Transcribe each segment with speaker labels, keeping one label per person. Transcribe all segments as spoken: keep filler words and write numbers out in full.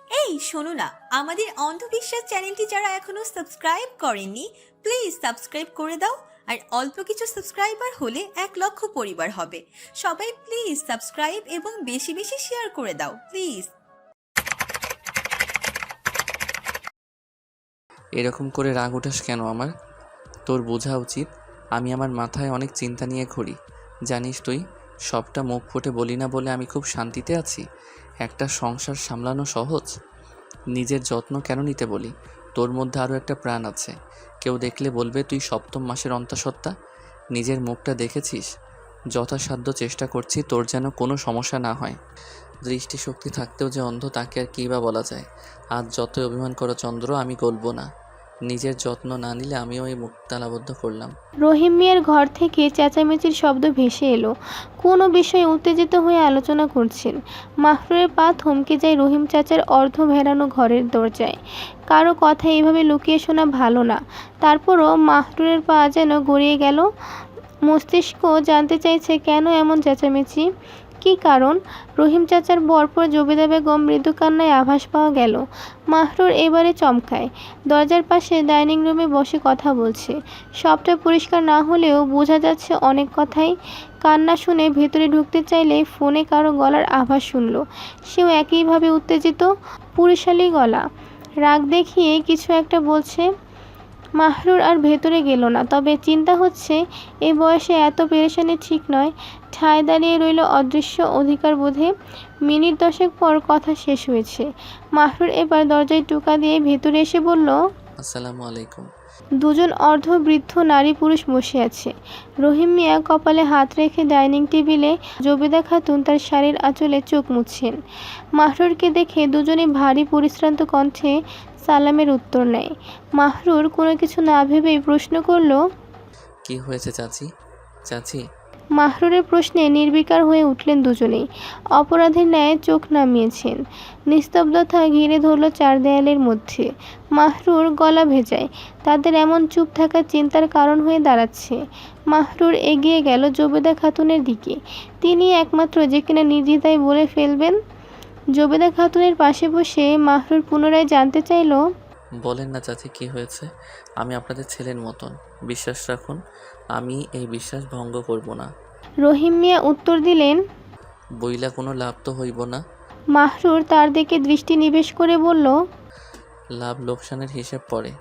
Speaker 1: এই শোনো না, আমাদের অন্ধবিশ্বাস চ্যানেলটি যারা এখনো সাবস্ক্রাইব করেননি, প্লিজ সাবস্ক্রাইব করে দাও। আর অল্প কিছু সাবস্ক্রাইবার হলে এক লক্ষ পরিবার হবে। সবাই প্লিজ সাবস্ক্রাইব এবং বেশি বেশি শেয়ার করে দাও প্লিজ।
Speaker 2: এরকম করে রাগ ওঠাস কেন আমার? তোর বোঝা উচিত আমি আমার মাথায় অনেক চিন্তা নিয়ে ঘুরি। জানিস তুই, সবটা মুখ ফুটে বলি না বলে আমি খুব শান্তিতে আছি। একটা সংসার সামলানো সহজ? নিজের যত্ন কেন নিতে বলি? তোর মধ্যে আরও একটা প্রাণ আছে। কেউ দেখলে বলবে তুই সপ্তম মাসের অন্তঃসত্ত্বা। নিজের মুখটা দেখেছিস? যথাসাধ্য চেষ্টা করছি তোর যেন কোনো সমস্যা না হয়। দৃষ্টিশক্তি থাকতেও যে অন্ধ, তাকে আর কী বা বলা যায়। আজ যতই অভিমান করো চন্দ্র, আমি গলবো না। নিজের যত্ন না নিলে আমিও এই মুখ তালাবদ্ধ করলাম।
Speaker 3: রহিম মিয়ার ঘর থেকে চেঁচামেচির শব্দ ভেসে এলো। কোনো বিষয়ে উত্তেজিত হয়ে আলোচনা করছেন। মাহরুরের পা থমকে যায় রহিম চাচার অর্ধ ভেড়ানো ঘরের দরজায়। কারো কথা এভাবে লুকিয়ে শোনা ভালো না। তারপরও মাহরুরের পা যেন গড়িয়ে গেল। মস্তিষ্ক জানতে চাইছে কেন এমন চেঁচামেচি, কী কারণ। রহিম চাচার বরপর জবেদা বেগম মৃদু কান্নায় আভাস পাওয়া গেল। মাহরুর এবারে চমকায়। দরজার পাশে ডাইনিং রুমে বসে কথা বলছে। সবটা পরিষ্কার না হলেও বোঝা যাচ্ছে অনেক কথাই। কান্না শুনে ভেতরে ঢুকতে চাইলে ফোনে কারো গলার আভাস শুনল। সেও একইভাবে উত্তেজিত, পুরুষালী গলা। রাগ দেখিয়ে কিছু একটা বলছে। মাহরুর আর ভেতরে গেল না, তবে চিন্তা হচ্ছে এই বয়সে এত পেরেশানি ঠিক নয়। ঠায় দাঁড়িয়ে রইল অদৃশ্য অধিকার বোধে। মিনিট দশেক পর কথা শেষ হয়েছে। মাহরুর এবার দরজায় টোকা দিয়ে ভেতরে এসে বলল,
Speaker 2: আসসালামু আলাইকুম।
Speaker 3: দুজন অর্ধবৃদ্ধ নারী পুরুষ বসে আছে। রহিম মিয়া কপালে হাত রেখে ডাইনিং টেবিলে, জবেদা খাতুন তার শাড়ির আঁচলে চোখ মুছছেন। মাহরুরকে দেখে দুজনে ভারী পরিশ্রান্ত কণ্ঠে সালামের উত্তর নেয়। মাহরুর কোনো কিছু না ভেবেই প্রশ্ন করল,
Speaker 2: কি হয়েছে চাচি? চাচি
Speaker 3: মাহরুরের প্রশ্নে নির্বিকার হয়ে উঠলেন দুজনেই। অপরাধীর ন্যায় চোখ নামিয়েছেন। নিস্তব্ধতা ঘিরে ধরল চার দেয়ালের মধ্যে। মাহরুর গলা ভেজায়। তাদের এমন চুপ থাকা চিন্তার কারণ হয়ে দাঁড়াচ্ছে। মাহরুর এগিয়ে গেল জবেদা খাতুনের দিকে। তিনি একমাত্র যে কিনা নির্দ্বিধায় বলে ফেলবেন। জবেদা খাতুনের পাশে বসে মাহরুর পুনরায় জানতে চাইল,
Speaker 2: বলেন না চাচি, কি হয়েছে? আমি আপনাদের ছেলের মতন, বিশ্বাস রাখুন। আমি এই বিশ্বাস ভঙ্গ করব না।
Speaker 3: রহিম মিয়া উত্তর দিলেন।
Speaker 2: বইলা কোনো লাভ তো হইব না।
Speaker 3: মাহরুর তার দিকে দৃষ্টি নিবেশ করে বলল,
Speaker 2: লাভ লোকসানের হিসেব পরে।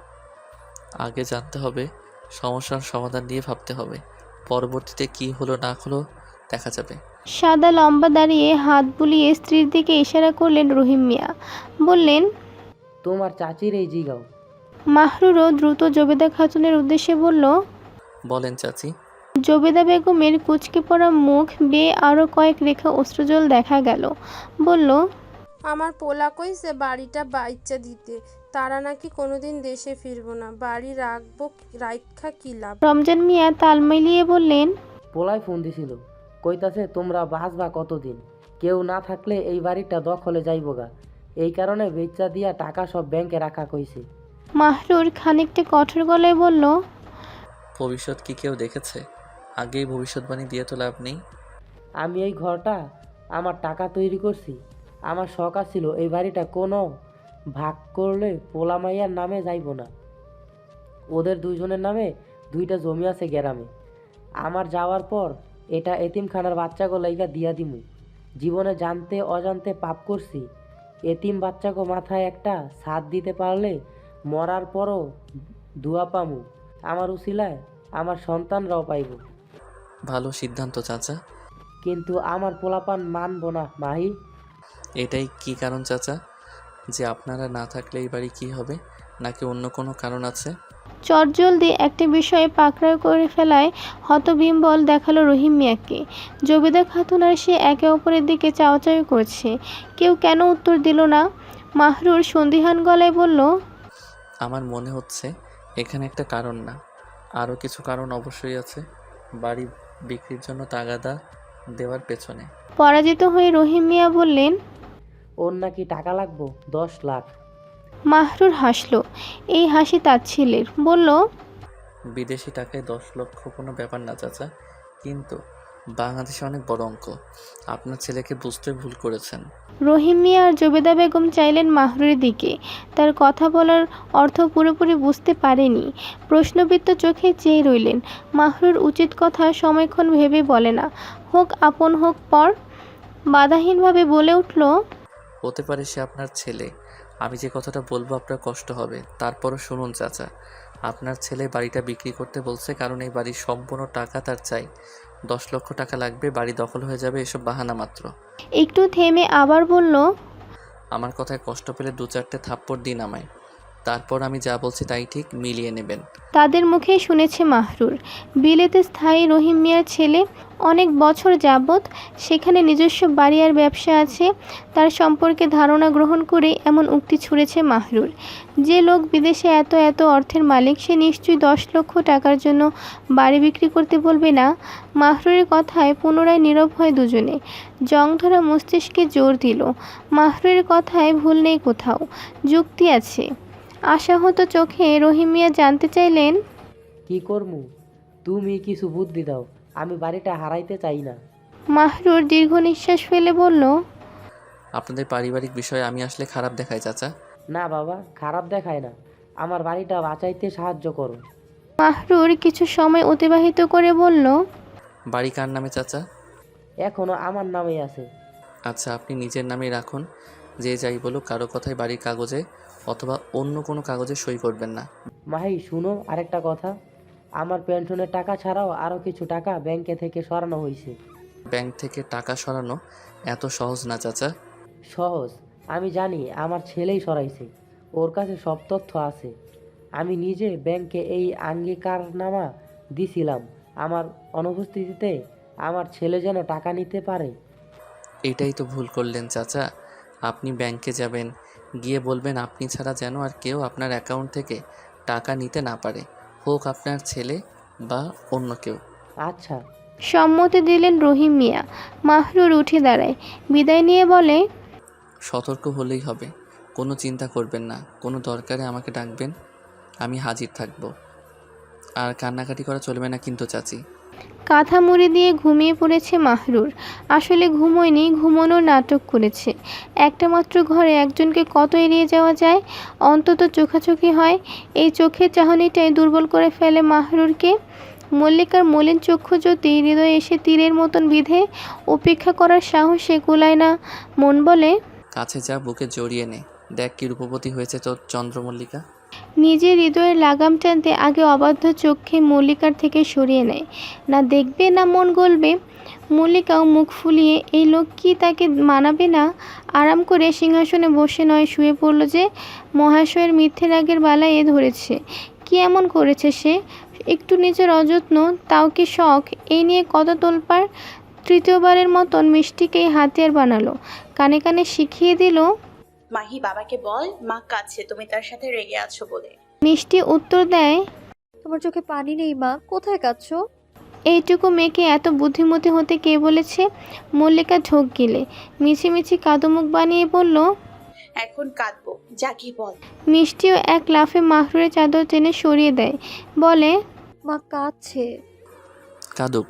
Speaker 2: আগে জানতে হবে, সমস্যার সমাধান নিয়ে ভাবতে হবে। পরবর্তীতে কি হলো না হলো দেখা যাবে।
Speaker 3: সাদা লম্বা দাঁড়িয়ে হাত বুলিয়ে স্ত্রীর দিকে ইশারা করলেন রহিম মিয়া। বললেন,
Speaker 4: তোমার চাচির এই জিগাও।
Speaker 3: মাহরুরও দ্রুত জবেদা খাতুনের উদ্দেশ্যে বলল।
Speaker 2: বলেন চাচি।
Speaker 3: জবেদা বেগমের কুঁচকে পড়া মুখ বেয়ে আরও কয়েক রেখা অশ্রুজল দেখা গেল। বলল,
Speaker 5: আমার পোলা কইছে বাড়িটা বাইচ্চা দিতে, তারা নাকি কোনোদিন দেশে ফিরবো না, বাড়ি রাখবো, রাইখা কি লাভ।
Speaker 3: রমজান মিয়া তাল মিলিয়ে বললেন,
Speaker 4: পোলায় ফোন দিছিল, কইতাছে তোমরা বাঁচবা কতদিন, কেউ না থাকলে এই বাড়িটা দখলে যাইবগা, এই কারণে বেচা দিয়া টাকা সব ব্যাংকে রাখা কইছে।
Speaker 3: মাহরুর খানিকটা কঠোর গলায় বলল,
Speaker 2: ভবিষ্যৎ কি কেউ দেখেছে? আগেই ভবিষ্যৎবাণী দিয়ে তো লাভ নেই।
Speaker 4: আমি এই ঘরটা আমার টাকা তৈরি করছি। আমার শখ ছিল এই বাড়িটা কোনো ভাগ করলে পোলা মাইয়ার নামে যাইব না। ওদের দুইজনের নামে দুইটা জমি আছে গ্রামে। আমার যাওয়ার পর এটা এতিমখানার বাচ্চাগো লাইগা দিয়া দিমু। জীবনে জানতে অজান্তে পাপ করছি। এতিম বাচ্চাগো মাথায় একটা ছাদ দিতে পারলে মরার পরও দুয়া পামু। আমার উসিলায় আমার সন্তানরাও পাইব।
Speaker 2: ভালো সিদ্ধান্ত চাচা।
Speaker 4: কিন্তু আমার পোলাপান মানব না মাহি।
Speaker 2: এটাই কি কারণ চাচা, যে আপনারা না থাকলে এই বাড়ি কী হবে? নাকি অন্য কোনো কারণ আছে?
Speaker 3: চটজলদি একটা বিষয়ে পাকড়াও করে ফেলায় হতবিম্বল দেখালো রহিম মিয়াকে। জবেদা খাতুন আর সে একে অপরের দিকে চাওয়াচাওয়ি করছে। কেউ কেন উত্তর দিল না। মাহরুর সন্দিহান গলায় বলল,
Speaker 2: আমার মনে হচ্ছে এখানে একটা কারণ না, আরও কিছু কারণ অবশ্যই আছে বাড়ি বিক্রির জন্য তাগাদা দেওয়ার পেছনে।
Speaker 3: পরাজিত হয়ে রহিম মিয়া বললেন,
Speaker 4: ওর নাকি টাকা লাগবো দশ লাখ।
Speaker 3: মাহরুর হাসল। এই হাসি তাচ্ছিল্যের। বলল,
Speaker 2: বিদেশি টাকায় দশ লক্ষ কোনো ব্যাপার না চাচা, কিন্তু বাংলাদেশে অনেক বড় অঙ্ক। আপনার ছেলেকে বুঝতে ভুল করেছেন।
Speaker 3: রহিম মিয়া আর জবেদা বেগম চাইলেন মাহরুরের দিকে। তার কথা বলার অর্থ পুরোপুরি বুঝতে পারেনি। প্রশ্নবিদ্ধ চোখে চেয়ে রইলেন। মাহরুর উচিত কথা সময়ক্ষণ ভেবে বলে না, হোক আপন হোক পর। বাধাহীনভাবে বলে উঠল,
Speaker 2: হতে পারে সে আপনার ছেলে। আমি যে কথাটা বলবো আপনার কষ্ট হবে, তারপরও শুনুন চাচা। আপনার ছেলে বাড়িটা বিক্রি করতে বলছে, কারণ এই বাড়ির সম্পূর্ণ টাকা তার চাই। দশ লক্ষ টাকা লাগবে, বাড়ি দখল হয়ে যাবে, এসব বাহানা মাত্র।
Speaker 3: একটু থেমে আবার বলল,
Speaker 2: আমার কথায় কষ্ট পেলে দু চারটে থাপ্পড় দিন আমায়, তারপর আমি যা বলছি তাই ঠিক মিলিয়ে নেবেন।
Speaker 3: তাদের মুখেই শুনেছে মাহরুর। বিলেতে স্থায়ী রহিম মিয়ার ছেলে, অনেক বছর যাবৎ সেখানে নিজস্ব বাড়ি আর ব্যবসা আছে। তার সম্পর্কে ধারণা গ্রহণ করে এমন উক্তি ছুঁড়েছে মাহরুর। যে লোক বিদেশে এত এত অর্থের মালিক, সে নিশ্চয়ই দশ লক্ষ টাকার জন্য বাড়ি বিক্রি করতে বলবে না। মাহরুরের কথায় পুনরায় নীরব হয় দুজনে। জংধরা মস্তিষ্কে জোর দিল, মাহরুরের কথায় ভুল নেই কোথাও, যুক্তি আছে। আশাহত চোখে রহিম মিয়া জানতে চাইলেন,
Speaker 4: কি করমু? তুমি কিছু বুদ্ধি দাও, আমি বাড়িটা হারাইতে চাই না।
Speaker 3: মাহরুর দীর্ঘ নিঃশ্বাস ফেলে বলল,
Speaker 2: আপনাদের পারিবারিক বিষয়ে আমি আসলে খারাপ দেখাই চাচা।
Speaker 4: না বাবা, খারাপ দেখায় না, আমার বাড়িটা বাঁচাইতে সাহায্য করো।
Speaker 3: মাহরুর কিছু সময় অতিবাহিত করে বলল,
Speaker 2: বাড়ি কার নামে চাচা?
Speaker 4: এখনো আমার নামেই আছে।
Speaker 2: আচ্ছা, আপনি নিজের নামেই রাখুন। যে যাই বলুক, কারো কথায় বাড়ির কাগজে অথবা অন্য কোনো কাগজে সই করবেন না।
Speaker 4: মাহি শুনো, আরেকটা কথা, আমার পেনশনের টাকা ছাড়াও আরও কিছু টাকা ব্যাংকে থেকে সরানো হয়েছে।
Speaker 2: ব্যাংক থেকে টাকা সরানো এত সহজ না চাচা।
Speaker 4: সহজ, আমি জানি, আমার ছেলেই সরাইছে, ওর কাছে সব তথ্য আছে। আমি নিজে ব্যাংকে এই আঙ্গীকারনামা দিছিলাম, আমার অনুপস্থিতিতে আমার ছেলে যেন টাকা নিতে পারে।
Speaker 2: এটাই তো ভুল করলেন চাচা। আপনি ব্যাংকে যাবেন, গিয়ে বলবেন আপনি ছাড়া যেন আর কেউ আপনার অ্যাকাউন্ট থেকে টাকা নিতে না পারে, হোক আপনার ছেলে বা অন্য কেউ।
Speaker 4: আচ্ছা।
Speaker 3: সম্মতি দিলেন রহিম মিয়া। মাহরুর উঠে দাঁড়ায়, বিদায় নিয়ে বলে,
Speaker 2: সতর্ক হলেই হবে, কোনো চিন্তা করবেন না। কোনো দরকারে আমাকে ডাকবেন, আমি হাজির থাকব। আর কান্নাকাটি করা চলবে না কিন্তু চাচি।
Speaker 3: কাঁথা মুড়ি দিয়ে ঘুমিয়ে পড়েছে মাহরুর। আসলে ঘুমোয়নি, ঘুমানোর নাটক করেছে। একটা মাত্র ঘরে একজনকে কত এড়িয়ে যাওয়া যায়, অন্তত চোখাচোখি হয়। এই চোখের চাহনিটাই দুর্বল করে ফেলে মাহরুরকে। মল্লিকার মলিন চক্ষু জ্যোতি হৃদয়ে এসে তীরের মতন বিধে, উপেক্ষা করার সাহসে কুলায় না। মন বলে,
Speaker 2: কাছে যা, বুকে জড়িয়ে নে, দেখ কি রূপবতী হয়েছে তোর চন্দ্রমল্লিকা।
Speaker 3: নিজের হৃদয়ের লাগাম টানতে আগে অবাধ্য চোখে মল্লিকার থেকে সরিয়ে নেয়। না দেখবে না মন গলবে। মল্লিকাও মুখ ফুলিয়ে, এই লোক কি তাকে মানাবে না? আরাম করে সিংহাসনে বসে নয় শুয়ে পড়ল যে। মহাশয়ের মিথ্যে রাগের বালায় এ ধরেছে। কি এমন করেছে সে? একটু নিজের অযত্ন, তাও কি শখ? এই নিয়ে কত তোলপাড়। তৃতীয়বারের মতন মিষ্টিকেই হাতিয়ার বানালো, কানে কানে শিখিয়ে দিল,
Speaker 6: মাহি বাবাকে বল মা কাঁদছে, তুমি তার সাথে রেগে আছো বলে।
Speaker 3: মিষ্টি উত্তর দেয়,
Speaker 7: তোমার চোখে পানি নেই মা, কোথায় কাঁদছো?
Speaker 3: এইটুকু মেয়েকে এত বুদ্ধিমতী হতে কে বলেছে? মল্লিকা ঢোক গিলে মিছিমিছি কাদুমুখ বানিয়ে বলল,
Speaker 6: এখন কাঁদবো, যা কি বল।
Speaker 3: মিষ্টিও এক লাফে মাহরুরের চাদর টেনে সরিয়ে দেয়, বলে,
Speaker 7: মা কাঁদছে।
Speaker 2: কাদুক।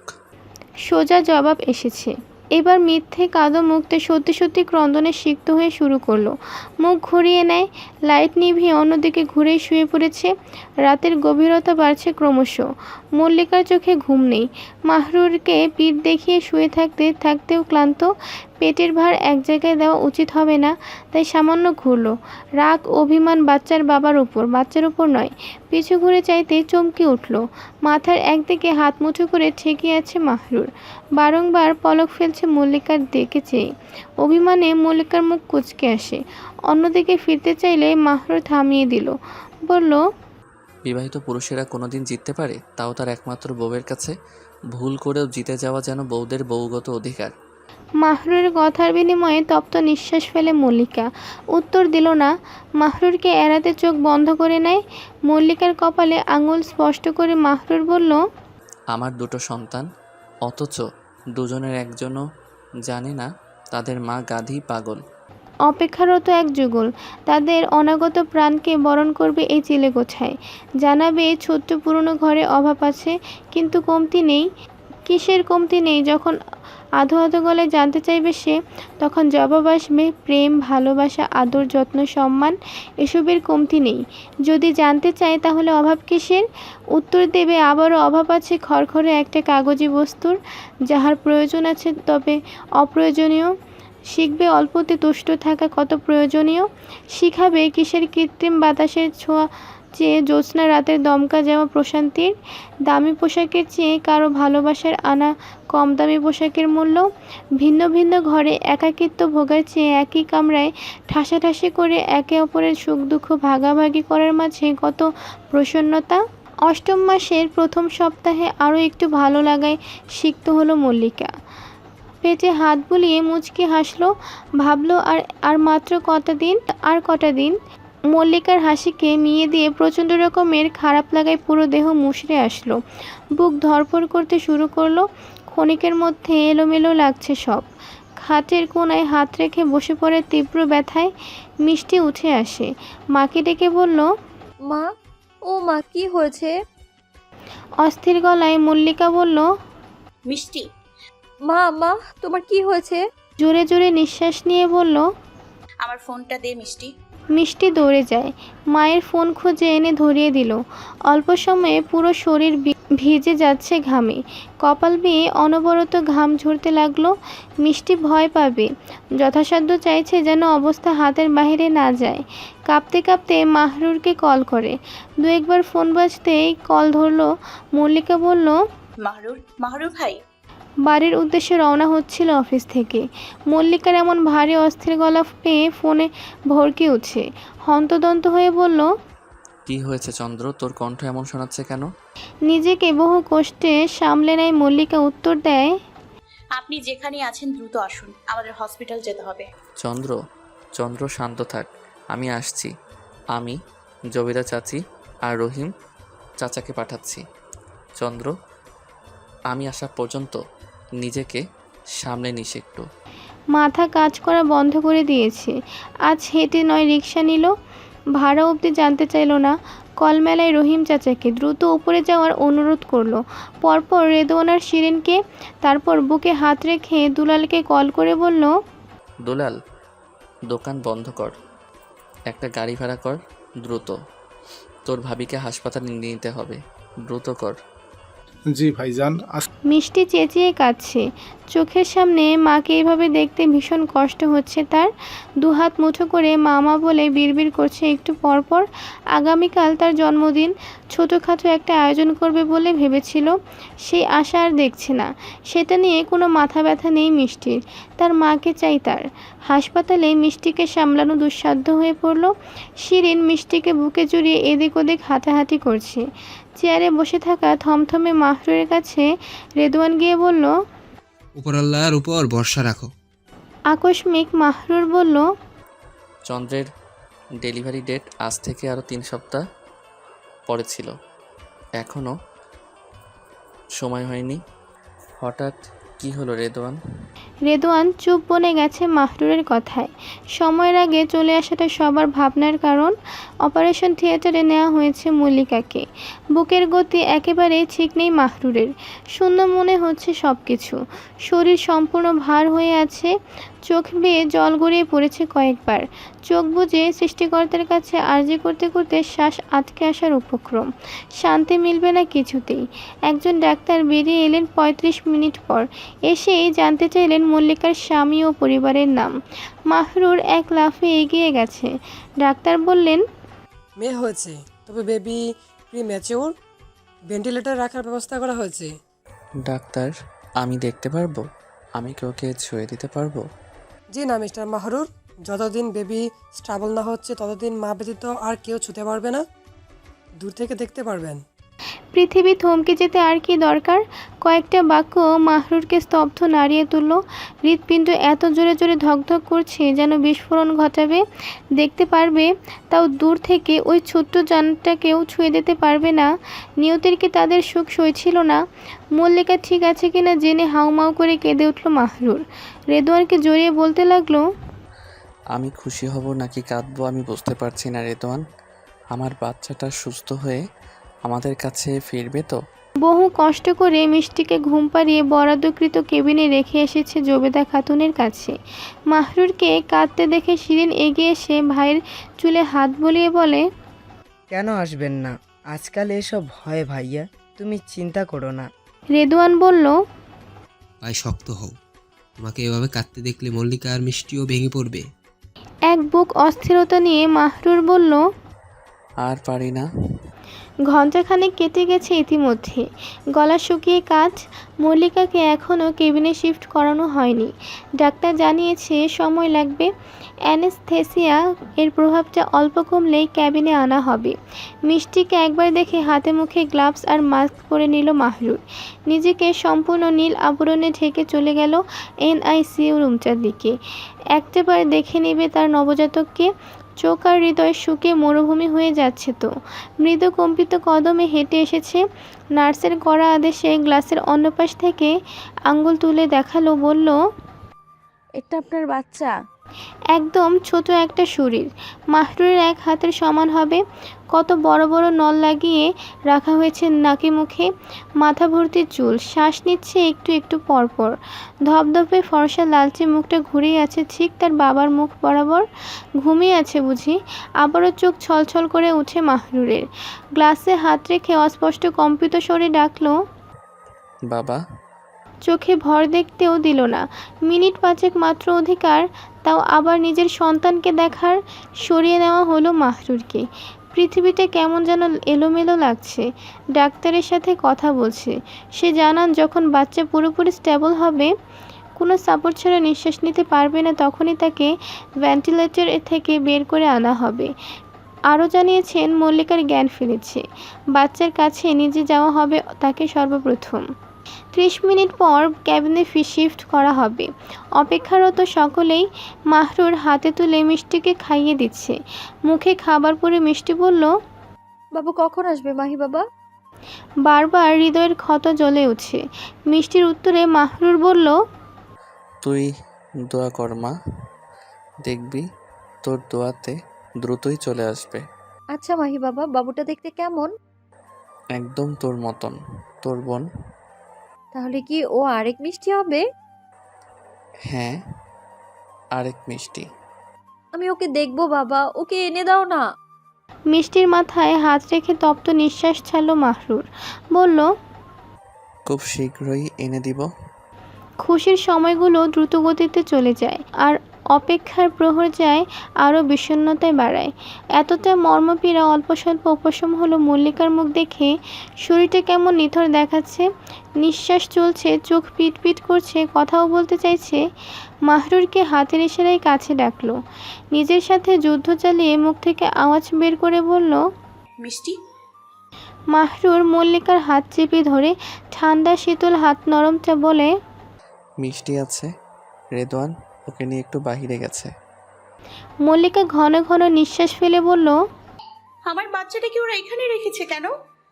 Speaker 3: সোজা জবাব এসেছে। এবার মিথ্যে কাদো মুখতে সত্যি সত্যি ক্রন্দনে সিক্ত হয়ে শুরু করলো। মুখ ঘুরিয়ে নেয়, লাইট নিভিয়ে অন্যদিকে ঘুরেই শুয়ে পড়েছে। রাতের গভীরতা বাড়ছে ক্রমশ। মল্লিকার চোখে ঘুম নেই। মাহরুরকে পিঠ দেখিয়ে শুয়ে থাকতে থাকতেও ক্লান্ত। পেটের ভার এক জায়গায় দেওয়া উচিত হবে না, তাই সামান্য ঘুরল। রাগ অভিমান বাচ্চার বাবার উপর, বাচ্চার উপর নয়। পিছু ঘুরে চাইতে চমকে উঠল। মাথার একদিকে হাত মুঠো করে ঠেকে আছে মাহরুর। বারংবার পলক ফেলছে মল্লিকার দিকে চেয়ে। অভিমানে মল্লিকার মুখ কুঁচকে আসে। অন্যদিকে ফিরতে চাইলে মাহরুর থামিয়ে দিল, বলল,
Speaker 2: বিবাহিত পুরুষেরা কোনোদিন জিততে পারে, তাও তার একমাত্র বউয়ের কাছে। ভুল করেও জিতে যাওয়া যেন বউদের বউগত অধিকার।
Speaker 3: মাহরুরের কথার বিনিময়ে তপ্ত নিঃশ্বাস ফেলে মল্লিকা। উত্তর দিল না। মাহরুরকে এড়াতে চোখ বন্ধ করে নেয়। মল্লিকার কপালে আঙুল স্পষ্ট করে মাহরুর বলল,
Speaker 2: আমার দুটো সন্তান, অথচ দুজনের একজনও জানে না তাদের মা গাধী, পাগল।
Speaker 3: অপেক্ষারত এক যুগল তাদের অনাগত প্রাণকে বরণ করবে এই চিলে গোছায়। জানাবে ছোট্ট পুরনো ঘরে অভাব আছে, কিন্তু কমতি নেই। কিসের কমতি নেই। যখন আধো আধো গলায় জানতে চাইবে সে, তখন জবাব আসবে প্রেম, ভালোবাসা, আদর, যত্ন, সম্মান, এসবের কমতি নেই। যদি জানতে চায় তাহলে অভাব কিসের, উত্তর দেবে আবারও অভাব আছে খড়খড়ে একটা কাগজি বস্তুর, যাহার প্রয়োজন আছে তবে অপ্রয়োজনীয়। শিখবে অল্পতে তুষ্ট থাকা কত প্রয়োজনীয়, শিখাবে কিসের কৃত্রিম বাতাসের ছোঁয়া চেয়ে জ্যোৎস্না রাতের দমকা যাওয়া প্রশান্তির, দামি পোশাকের চেয়ে কারো ভালোবাসার আনা কম দামি পোশাকের মূল্য, ভিন্ন ভিন্ন ঘরে একাকিত্ব ভোগার চেয়ে একই কামরায় ঠাসাঠাসি করে একে অপরের সুখ দুঃখ ভাগাভাগি করার মাঝে কত প্রসন্নতা। অষ্টম মাসের প্রথম সপ্তাহে আরও একটু ভালো লাগায় সিক্ত হলো মল্লিকা। পেটে হাত বুলিয়ে মুচকি হাসলো, ভাবলো আর আর মাত্র কটা দিন, আর কটা দিন। মল্লিকার হাসিকে মিয়ে দিয়ে প্রচণ্ড রকমের খারাপ লাগায় পুরো দেহ মুষড়ে আসলো, বুক ধড়ফড় করতে শুরু করলো। ক্ষণিকের মধ্যে এলোমেলো লাগছে সব। খাটের কোণায় হাত রেখে বসে পড়ে তীব্র ব্যথায় মিষ্টি উঠে আসে, মাকে ডেকে বলল,
Speaker 7: মা, ও মা, কি হয়েছে?
Speaker 3: অস্থির গলায় মল্লিকা বলল,
Speaker 6: মিষ্টি,
Speaker 7: মা মা, তোমার কি হয়েছে?
Speaker 3: জোরে জোরে নিঃশ্বাস নিয়ে বলল।
Speaker 6: আমার ফোনটা দে মিষ্টি।
Speaker 3: মিষ্টি দৌড়ে যায়, মায়ের ফোন খুঁজে এনে ধরিয়ে দিল। অল্প সময়ে পুরো শরীর ভি- ভিজে যাচ্ছে ঘামে, কপাল বেয়ে অনবরত ঘাম ঝরতে লাগলো। মিষ্টি ভয় পাবে, যথাসাধ্য চাইছে যেন অবস্থা হাতের বাইরে না যায়। কাঁপতে কাঁপতে মাহরুরকে কল করে, দু একবার ফোন বাজতেই কল ধরলো। মল্লিকা বলল,
Speaker 6: মাহরুর, মাহরুর ভাই।
Speaker 3: বাড়ির উদ্দেশ্যে রওনা হচ্ছিল অফিস থেকে। মল্লিকার এমন ভারী অস্থির গলা পেয়ে ফোনে ভরকে উঠছে, হন্তদন্ত হয়ে বলল,
Speaker 2: কি হয়েছে চন্দ্র, তোর কণ্ঠ এমন শোনাচ্ছে কেন?
Speaker 3: নিজেকে বহু কষ্টে সামলে নেয় মল্লিকা। উত্তর দেয়,
Speaker 6: আপনি যেখানে আছেন দ্রুত আসুন, আমাদের হসপিটাল যেতে হবে।
Speaker 2: চন্দ্র চন্দ্র শান্ত থাক, আমি আসছি। আমি জবিরা চাচি আর রহিম চাচাকে পাঠাচ্ছি। চন্দ্র, আমি আসা পর্যন্ত নিজেকে সামলে নিস একটু।
Speaker 3: মাথা কাজ করা বন্ধ করে দিয়েছে। আজ হেঁটে নয় রিক্সা নিল, ভাড়া অবধি জানতে চাইল না। কল মেলায় রহিম চাচাকে দ্রুত উপরে যাওয়ার অনুরোধ করলো। পরপর রেদওয়ানার শিরিনকে, তারপর বুকে হাত রেখে দুলালকে কল করে বলল,
Speaker 2: দুলাল, দোকান বন্ধ কর, একটা গাড়ি ভাড়া কর দ্রুত। তোর ভাবিকে হাসপাতালে নিয়ে নিতে হবে, দ্রুত কর।
Speaker 8: জি ভাইজান, আস
Speaker 3: মিষ্টি চেঁচিয়ে কাঁদছে, চোখের সামনে মাকে এভাবে দেখতে ভীষণ কষ্ট হচ্ছে তার। দুহাত মুঠো করে মামা বলে বিড়বিড় করছে একটু পরপর। আগামীকাল তার জন্মদিন, ছোটোখাটো একটা আয়োজন করবে বলে ভেবেছিল, সেই আশা আর দেখছে না। সেটা নিয়ে কোনো মাথা ব্যথা নেই মিষ্টির, তার মাকে চাই তার। হাসপাতালে মিষ্টিকে সামলানো দুঃসাধ্য হয়ে পড়ল। শিরিন মিষ্টিকে বুকে জড়িয়ে এদিক ওদিক হাঁটাহাঁটি করছে। চেয়ারে বসে থাকা থমথমে মাহরুরের কাছে রেদওয়ান গিয়ে বলল,
Speaker 9: উপরাল্লার উপর ভরসা রাখো।
Speaker 3: আকস্মিক মাহরুর বলল,
Speaker 2: চন্দ্রের ডেলিভারি ডেট আজ থেকে আরও তিন সপ্তাহ পরে ছিল, এখনও সময় হয়নি। হঠাৎ কি হলো রেদওয়ান?
Speaker 3: রেদওয়ান চুপ বনে গেছে মাহরুরের কথায়। সময়ের আগে চলে আসাটা সবার ভাবনার কারণ। অপারেশন থিয়েটারে নেওয়া হয়েছে মল্লিকাকে। বুকের গতি একেবারেই ঠিক নেই মাহরুরের, শূন্য মনে হচ্ছে সব কিছু। শরীর সম্পূর্ণ ভার হয়ে আছে, চোখ বেয়ে জল গড়িয়ে পড়েছে কয়েকবার। চোখ বুজে সৃষ্টিকর্তার কাছে আর্জি করতে করতে শ্বাস আটকে আসার উপক্রম। শান্তি মিলবে না কিছুতেই। একজন ডাক্তার বেরিয়ে এলেন পঁয়ত্রিশ মিনিট পর, এসেই জানতে চাইলেন মল্লিকার স্বামী ও পরিবারের নাম। মাহরুর এক লাফে এগিয়ে গেছে। ডাক্তার বললেন,
Speaker 10: মেয়ে হয়েছে, তবে বেবি প্রিম্যাচিওর, ভেন্টিলেটর রাখার ব্যবস্থা করা হয়েছে।
Speaker 2: ডাক্তার, আমি দেখতে পারবো? আমি কি ওকে ছুঁয়ে দিতে পারবো?
Speaker 10: জি না মিস্টার মাহরুর, যতদিন বেবি স্ট্রাবল না হচ্ছে ততদিন মা ব্যতীত আর কেউ ছুতে পারবে না, দূর থেকে দেখতে পারবেন।
Speaker 3: পৃথিবী থমকে যেতে আর কি দরকার। কয়েকটা বাক্য মাহরুরকে স্তব্ধ নাড়িয়ে তুলল। হৃৎপিণ্ড এত জোরে জোরে ধকধক করছে যেন বিস্ফোরণ ঘটাবে। দেখতে পারবে, তাও দূর থেকে। ওই ছোট্ট জানটাকেও ছুঁয়ে দিতে পারবে না। নিয়তির কি তাদের সুখ সইছিল না? মল্লিকা ঠিক আছে কিনা জেনে হাউমাউ করে কেঁদে উঠল মাহরুর। রেদওয়ানকে জড়িয়ে বলতে লাগলো,
Speaker 2: আমি খুশি হব নাকি কাঁদবো আমি বুঝতে পারছি না রেদওয়ান। আমার বাচ্চাটা সুস্থ হয়ে আমাদের কাছে ফিরবে তো?
Speaker 3: বহু কষ্ট করে মিষ্টিকে ঘুম পাড়িয়ে বরাদ্দকৃত কেবিনে রেখে এসেছে জবেদা খাতুনের কাছে। মাহরুরকে কাঁদতে দেখে শিরিন এগিয়ে এসে ভাইয়ের চুলে হাত বুলিয়ে বলে,
Speaker 11: কেন আসবেন না? আজকাল এসব হয় ভাইয়া, তুমি চিন্তা করো না।
Speaker 3: রেদওয়ান বলল,
Speaker 9: ভাই শক্ত হও, তোমাকে এভাবে কাঁদতে দেখলে মল্লিকা আর মিষ্টিও ভেঙে পড়বে।
Speaker 3: এক বুক অস্থিরতা নিয়ে মাহরুর বলল,
Speaker 2: আর পারি না।
Speaker 3: ঘণ্টাখানেক কেটে গেছে ইতিমধ্যে, গলা শুকিয়ে কাজ। মল্লিকাকে এখনও কেবিনে শিফট করানো হয়নি। ডাক্তার জানিয়েছে সময় লাগবে। অ্যানেস্থেসিয়া এর প্রভাবটা অল্প কমলেই ক্যাবিনে আনা হবে। মিষ্টিকে একবার দেখে হাতে মুখে গ্লাভস আর মাস্ক পরে নিল মাহরুর। নিজেকে সম্পূর্ণ নীল আবরণে ঢেকে চলে গেল এনআইসিইউ রুমটার দিকে। একটাবার দেখে নেবে তার নবজাতককে। চোখ আর হৃদয় শুকে মরুভূমি হয়ে যাচ্ছে তো। মৃদু কম্পিত কদমে হেঁটে এসেছে। নার্সের কড়া আদেশে গ্লাসের অন্য পাশ থেকে আঙ্গুল তুলে দেখালো, বলল,
Speaker 7: এটা আপনার বাচ্চা?
Speaker 3: একদম ছোট একটা শরীর, মাহরুরের এক হাতের সমান হবে। কত বড় বড় নল লাগিয়ে রাখা হয়েছে নাকে মুখে, মাথা ভর্তি চুল, শ্বাস নিচ্ছে একটু একটু পরপর। ধপধপে ফর্সা লালচে মুখটা ঘুরেই আছে ঠিক তার বাবার মুখ বরাবর। ঘুমিয়ে আছে বুঝি? আবারও চোখ ছলছল করে উঠে মাহরুরের। গ্লাসে হাত রেখে অস্পষ্ট কম্পিত স্বরে ডাকলো,
Speaker 2: বাবা।
Speaker 3: চোখে ভর দেখতেও দিল না। মিনিট পাঁচেক মাত্র অধিকার, তাও আবার নিজের সন্তানকে দেখার। সরিয়ে নেওয়া হলো মাহরুরকে। পৃথিবীটা কেমন যেন এলোমেলো লাগছে। ডাক্তারের সাথে কথা বলছে। সে জানান যখন বাচ্চা পুরোপুরি স্টেবল হবে, কোনো সাপোর্ট ছাড়া নিঃশ্বাস নিতে পারবে না, তখনই তাকে ভেন্টিলেটর থেকে বের করে আনা হবে। আরও জানিয়েছেন মল্লিকার জ্ঞান ফিরেছে। বাচ্চার কাছে নিজে যাওয়া হবে তাকে সর্বপ্রথম। ত্রিশ মিনিট পর ক্যাবিনে শিফট করা হবে। অপেক্ষারত সকলেই মাহরুর হাতে তুলে মিষ্টিকে খাইয়ে দিচ্ছে। মুখে খাবার পরে মিষ্টি বলল,
Speaker 7: বাবু কখন আসবে মাহি বাবা?
Speaker 3: বারবার হৃদয়ের ক্ষত জ্বলে উঠছে। মিষ্টির উত্তরে মাহরুর বলল,
Speaker 2: তুই দোয়া কর মা, দেখবি তোর দোয়াতে দ্রুতই চলে আসবে।
Speaker 7: আচ্ছা মাহি বাবা, বাবুটা দেখতে কেমন?
Speaker 2: একদম তোর মতন, তোর বোন।
Speaker 7: তাহলে কি ও আরেক মিষ্টি হবে?
Speaker 2: হ্যাঁ, আরেক মিষ্টি।
Speaker 7: আমি ওকে দেখবো বাবা, ওকে এনে দাও না।
Speaker 3: মিষ্টির মাথায় হাত রেখে তপ্ত নিঃশ্বাস ছাড়ল মাহরুর। বলল,
Speaker 2: খুব শীঘ্রই এনে দিব।
Speaker 3: খুশির সময়গুলো দ্রুত গতিতে চলে যায়, আর অপেক্ষার প্রহর যায় আরও বিষণ্ণতায় বাড়ায়। এতটা মর্মপীড়া অল্প স্বল্প উপশম হলো মল্লিকার মুখ দেখে। শরীরটা কেমন নিথর দেখাচ্ছে। নিঃশ্বাস চলছে, চোখ পিট পিট করছে, কথাও বলতে চাইছে। মাহরুরকে হাতের ইশারায় কাছে ডাকলো। নিজের সাথে যুদ্ধ চালিয়ে মুখ থেকে আওয়াজ বের করে বলল,
Speaker 6: মিষ্টি।
Speaker 3: মাহরুর মল্লিকার হাত চেপে ধরে ঠান্ডা শীতল হাত নরমটা বলে,
Speaker 2: মিষ্টি আছে, রেদওয়ান ওকে নিয়ে একটু বাহিরে গেছে।
Speaker 3: মল্লিকা ঘন ঘন নিঃশ্বাস ফেলে বলল,
Speaker 6: আমার বাচ্চাটাকে ওরা এখানে রেখেছে কেন?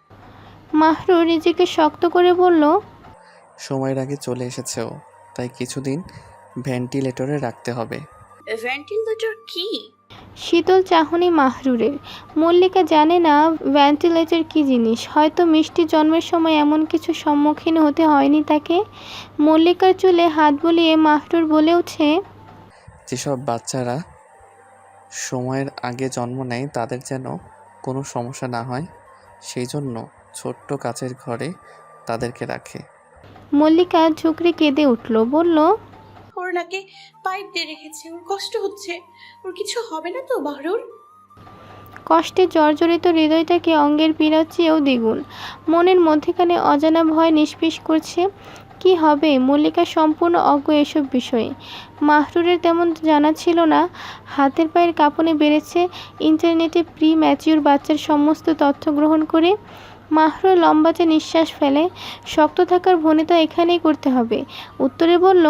Speaker 3: মাহরুর নিজেকে শক্ত করে বলল,
Speaker 2: সময়ের আগে চলে এসেছে ও, তাই কিছুদিন ভেন্টিলেটরে রাখতে হবে।
Speaker 6: ভেন্টিলেটর কি?
Speaker 3: শীতল চাহনি মাহরুরের। মল্লিকা জানে না ভেন্টিলেটর কি জিনিস। হয়তো মিষ্টি জন্মের সময় এমন কিছু সম্মুখীন হতে হয়নি তাকে। মল্লিকার চুলে হাত বুলিয়ে মাহরুর বলে ওঠে,
Speaker 2: যেসব বাচ্চারা সময়ের আগে জন্ম নেয় তাদের যেন কোনো সমস্যা না হয়, সেই জন্য ছোট্ট কাচের ঘরে তাদেরকে রাখে।
Speaker 3: মল্লিকা ঝুঁকড়ে কেঁদে উঠল, বলল,
Speaker 6: ওর নাকে পাইপ দিয়ে রেখেছে, ওর কষ্ট হচ্ছে, ওর কিছু হবে না তো মাহরুর?
Speaker 3: কষ্টে জর্জরিত হৃদয়টাকে অঙ্গের পীড়ার চেয়েও দ্বিগুণ। মনের মধ্যেখানে অজানা ভয় নিষ্পিস করছে। কি হবে? মল্লিকা সম্পূর্ণ অজ্ঞ এসব বিষয়ে। মাহরুরের তেমন জানা ছিল না। হাতের পায়ের কাঁপুনি বেড়েছে ইন্টারনেটে প্রি ম্যাচিউর বাচ্চার সমস্ত তথ্য গ্রহণ করে। মাহরুর লম্বাতে নিঃশ্বাস ফেলে। শক্ত থাকার ভনিতা এখানেই করতে হবে। উত্তরে বলল,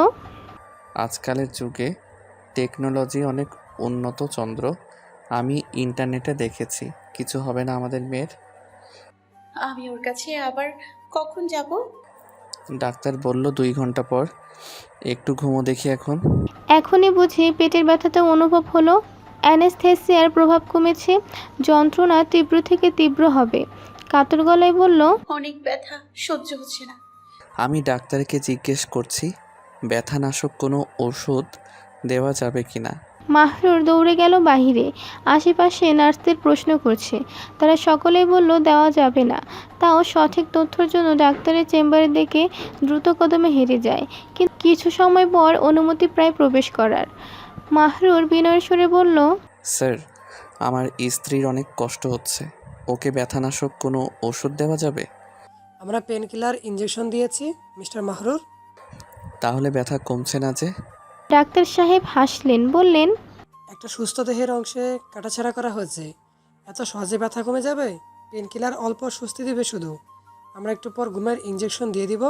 Speaker 2: আজকালের যুগে টেকনোলজি অনেক উন্নত চন্দ্র, আমি ইন্টারনেটে দেখেছি, কিছু হবে না আমাদের মেয়ের।
Speaker 6: আমি ওর কাছে আবার কখন যাব?
Speaker 2: ডাক্তার বলল দুই ঘন্টা পর। একটু ঘুমো দেখি এখন।
Speaker 3: এখনই বুঝি পেটের ব্যথাটা অনুভব হলো। অ্যানেস্থেসিয়ার প্রভাব কমেছে। যন্ত্রণা তীব্র থেকে তীব্র হবে। কাতর গলায় বলল,
Speaker 6: অনেক ব্যথা, সহ্য হচ্ছে না।
Speaker 2: আমি ডাক্তারকে জিজ্ঞেস করছি ব্যথানাশক কোনো ওষুধ দেওয়া যাবে কি না।
Speaker 3: মাহরুর দৌড়ে গেল বাহিরে। আশেপাশে নার্সদের প্রশ্ন করছে, তারা সকলেই বলল দেওয়া যাবে না। তাও সঠিক তথ্যের জন্য ডাক্তারের চেম্বারের দিকে দ্রুত কদমে হেরে যায়। কিন্তু কিছু সময় পর অনুমতি প্রায় প্রবেশ করার। মাহরুর বিনয়ের সুরে বলল,
Speaker 2: স্যার, আমার স্ত্রীর অনেক কষ্ট হচ্ছে, ওকে ব্যথানাশক কোনো ওষুধ দেওয়া যাবে?
Speaker 10: আমরা পেন কিলার ইঞ্জেকশন দিয়েছি মিস্টার মাহরুর।
Speaker 2: তাহলে ব্যথা কমছে না যে?
Speaker 3: ডাক্তার সাহেব হাসলেন, বললেন,
Speaker 10: একটা সুস্থ দেহের অংশে কাটাছেঁড়া করা হয়েছে, এত সহজে ব্যথা কমে যাবে? পেন কিলার অল্প স্বস্তি দেবে শুধু, আমরা একটু পর ঘুমের ইঞ্জেকশন দিয়ে দিব।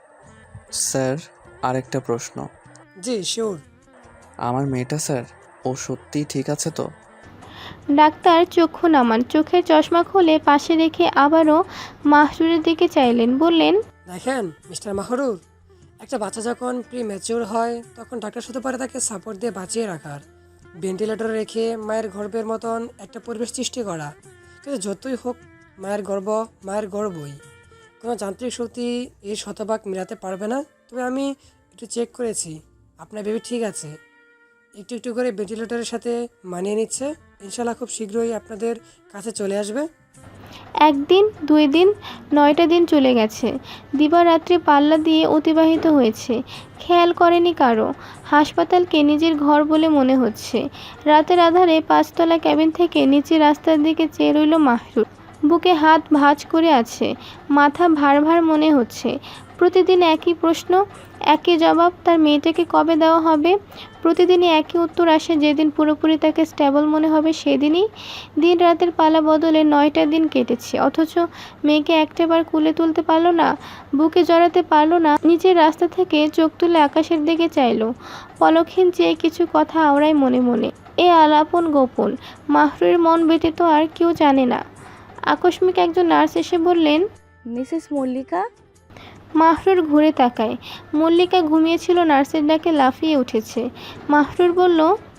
Speaker 2: স্যার, আরেকটা প্রশ্ন।
Speaker 10: জি শিওর।
Speaker 2: আমার মেয়েটা স্যার, ও সত্যিই ঠিক আছে তো?
Speaker 3: ডাক্তার চক্ষু নামান, চোখের চশমা খুলে পাশে রেখে আবারও মাহরুরের দিকে চাইলেন, বললেন,
Speaker 10: দেখেন মিস্টার মাহরুর, একটা বাচ্চা যখন প্রি ম্যাচিওর হয় তখন ডাক্তার শুধু পারে তাকে সাপোর্ট দিয়ে বাঁচিয়ে রাখার, ভেন্টিলেটরে রেখে মায়ের গর্ভের মতন একটা পরিবেশ সৃষ্টি করা। কিন্তু যতই হোক মায়ের গর্ভ মায়ের গর্ভই, কোনো যান্ত্রিক শক্তি এই শতভাগ মেলাতে পারবে না। তবে আমি একটু চেক করেছি, আপনার বেবি ঠিক আছে, একটু একটু করে ভেন্টিলেটরের সাথে মানিয়ে নিচ্ছে। ইনশাল্লাহ খুব শীঘ্রই আপনাদের কাছে চলে আসবে।
Speaker 3: একদিন, দুই দিন, নয়টা দিন চলে গেছে। দিবারাত্রি পাল্লা দিয়ে অতিবাহিত হয়েছে, খেয়াল করেনি কারো। হাসপাতালকে নিজের ঘর বলে মনে হচ্ছে। রাতের আধারে পাঁচতলা ক্যাবিন থেকে নিচে রাস্তার দিকে চেয়ে রইল মাহরুর। বুকে হাত ভাঁজ করে আছে, মাথা ভার ভার মনে হচ্ছে। প্রতিদিন একই প্রশ্ন, একই জবাব, তার মেয়েটাকে কবে দেওয়া হবে? প্রতিদিনই একই উত্তর আসে, যেদিন পুরোপুরি তাকে স্টেবল মনে হবে সেদিনই। দিন রাতের পালা বদলে নয়টা দিন কেটেছে, অথচ মেয়েকে একটাবার কুলে তুলতে পারলো না, বুকে জড়াতে পারলো না। নিচের রাস্তা থেকে চোখ তুলে আকাশের দিকে চাইলো, পলকহীন চেয়ে কিছু কথা আওড়ায় মনে মনে। এ আলাপন গোপন, মাহরুরের মন ব্যতীত আর কেউ জানে না। আকস্মিক একজন নার্স এসে বললেন,
Speaker 7: মিসেস মল্লিকা।
Speaker 3: মাহরুর ঘুরে তাকায়। মল্লিকা ঘুমিয়েছিল, নার্সের ডাকে লাফিয়ে উঠেছে। মাহরুর বলল,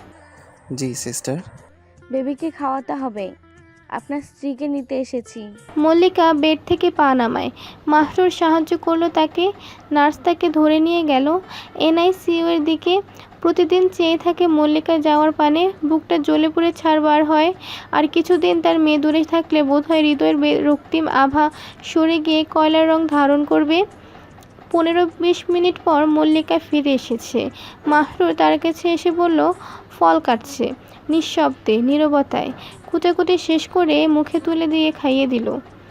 Speaker 2: জি সিস্টার।
Speaker 7: বেবিকে খাওয়াতে হবে, আপনার স্ত্রীকে নিতে এসেছি।
Speaker 3: মল্লিকা বেড থেকে পা নামায়। মাহরুর সাহায্য করলো তাকে। নার্স তাকে ধরে নিয়ে গেল এনআইসিইউ এর দিকে। প্রতিদিন চেয়ে থাকে মল্লিকা যাওয়ার পানে, বুকটা জ্বলে পুড়ে ছাড়বার হয়। আর কিছুদিন তার মেয়ে দূরে থাকলে বোধহয় হৃদয়ের রক্তিম আভা সরে গিয়ে কয়লার রং ধারণ করবে। পনেরো বিশ মিনিট পর মল্লিকা ফিরে এসেছে। মাহরুর তার কাছে এসে বলল, ফল কাটছে। নিঃশব্দে, নীরবতায় কুটাকুটি শেষ করে মুখে তুলে দিয়ে খাইয়ে দিল।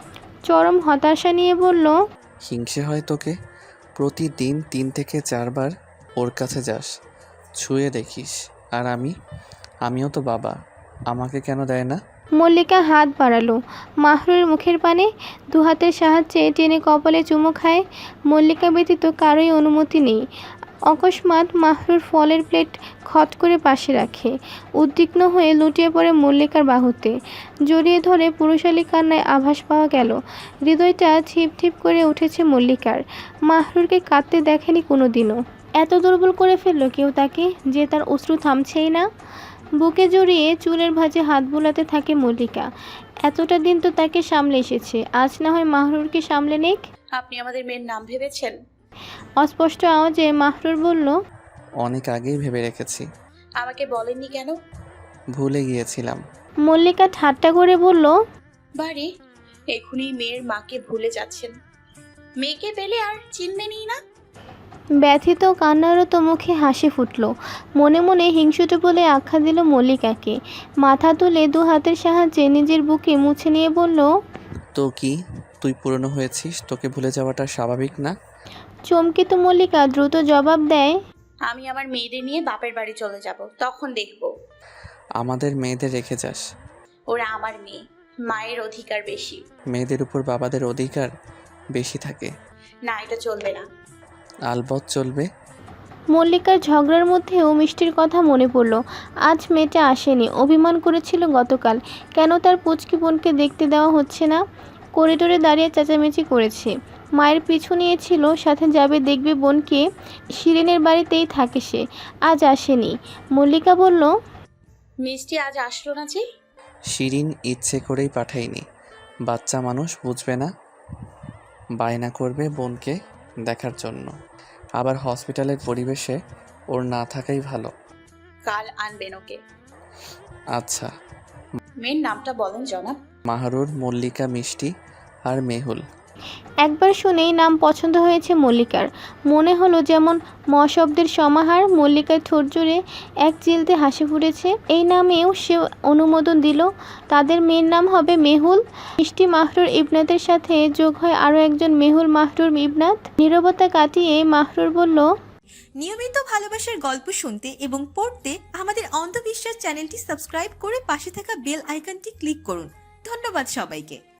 Speaker 3: চরম হতাশা নিয়ে বলল,
Speaker 2: হিংসে হয় তোকে? প্রতিদিন তিন থেকে চারবার ওর কাছে যাস, ছুঁয়ে দেখিস। আর আমি আমিও তো বাবা, আমাকে কেন দেয় না?
Speaker 3: মল্লিকা হাত বাড়ালো মাহরুরের মুখের পানে, দু হাতের সাহায্যে টেনে কপালে চুমু খায়। মল্লিকা ব্যতীত কারোই অনুমতি নেই। অকস্মাৎ মাহরুর ফলের প্লেট খট করে পাশে রাখে, উদ্বিগ্ন হয়ে লুটিয়ে পড়ে মল্লিকার বাহুতে। জড়িয়ে ধরে পুরুষালী কান্নায় আভাস পাওয়া গেল। হৃদয়টা ছিপ ছিপ করে উঠেছে মল্লিকার। মাহরুরকে কাঁদতে দেখেনি কোনো দিনও। এত দুর্বল করে ফেললো কেউ তাকে, যে তার অশ্রু থামছেই না। বুকে জড়িয়ে চুলের ভাঁজে হাত বোলাতে থাকে মল্লিকা। এতটা দিন তো তাকে সামলে এসেছে, আজ না হয় মাহরুরকে সামলে নেক।
Speaker 6: আপনি আমাদের মেয়ের নাম ভেবেছেন?
Speaker 3: অস্পষ্ট আওয়াজে মাহরুর বলল,
Speaker 2: অনেক আগেই ভেবে রেখেছি।
Speaker 6: আমাকে বলেননি কেন?
Speaker 2: ভুলে গিয়েছিলাম।
Speaker 3: মল্লিকা ঠাট্টা করে বলল,
Speaker 6: বাড়ি এখনই মেয়ের মাকে ভুলে যাচ্ছেন, মেয়েকে পেলে আর চিনবেনই না।
Speaker 3: ব্যথিত কান্নারত মুখে হাসি ফুটল। মনে মনে হিংসুটে বলে আখ্যা দিল মল্লিকাকে। মাথা তুলে দু হাতের সাহায্যে নিজের বুকে মুছে নিয়ে বলল,
Speaker 2: তো কি তুই পুরনো হয়েছিস, তোকে ভুলে যাওয়াটা স্বাভাবিক না?
Speaker 3: চমকিত মল্লিকা দ্রুত জবাব দেয়,
Speaker 6: আমি আমার মেয়েদের নিয়ে বাপের বাড়ি চলে যাব, তখন দেখব।
Speaker 2: আমাদের মেয়েদের রেখে যাস।
Speaker 6: ওরা আমার মেয়ে, মায়ের অধিকার বেশি।
Speaker 2: মেয়েদের উপর বাবাদের অধিকার বেশি থাকে
Speaker 6: না, এটা চলবে না।
Speaker 2: আলবৎ চলবে।
Speaker 3: মল্লিকার ঝগড়ার মধ্যেও মিষ্টির কথা মনে পড়ল। আজ মেয়েটা আসেনি, অভিমান করেছিল গতকাল। কেন তার পুচকি বোনকে দেখতে দেওয়া হচ্ছে না? করিডোরে দাঁড়িয়ে চেঁচামেচি করেছে। মায়ের পিছু নিয়েছিল, সাথে যাবে দেখবে বোনকে। শিরিনের বাড়িতেই থাকে সে, আজ আসেনি। মল্লিকা বলল,
Speaker 6: মিষ্টি আজ আসলো না যে?
Speaker 2: শিরিন ইচ্ছে করেই পাঠায়নি, বাচ্চা মানুষ বুঝবে না, বায়না করবে বোনকে দেখার জন্য। আবার হসপিটালের পরিবেশে ওর না থাকাই ভালো।
Speaker 6: কাল আনবেন ওকে।
Speaker 2: আচ্ছা।
Speaker 6: মেয়ের নামটা বলেন জনাব।
Speaker 2: মাহরুর, মল্লিকা, মিষ্টি আর মেহুল।
Speaker 3: একবার শুনেই নাম পছন্দ হয়েছে মল্লিকার। মনে হলো যেমন ম শব্দের সমাহার। মল্লিকার ঠোঁট জুড়ে এক চিলতে হাসি ফুটেছে। এই নামেও সে অনুমোদন দিল। তাদের মেয়ের নাম হবে মেহুল। মিষ্টি মাহরুর ইবনাতের সাথে যোগ হয় আরও একজন মেহুল মাহরুর ইবনাত। নীরবতা কাটিয়ে মাহরুর বলল,
Speaker 1: নিয়মিত ভালোবাসার গল্প শুনতে এবং পড়তে আমাদের অন্ধবিশ্বাস চ্যানেলটি সাবস্ক্রাইব করে পাশে থাকা বেল আইকনটি ক্লিক করুন। ধন্যবাদ সবাইকে।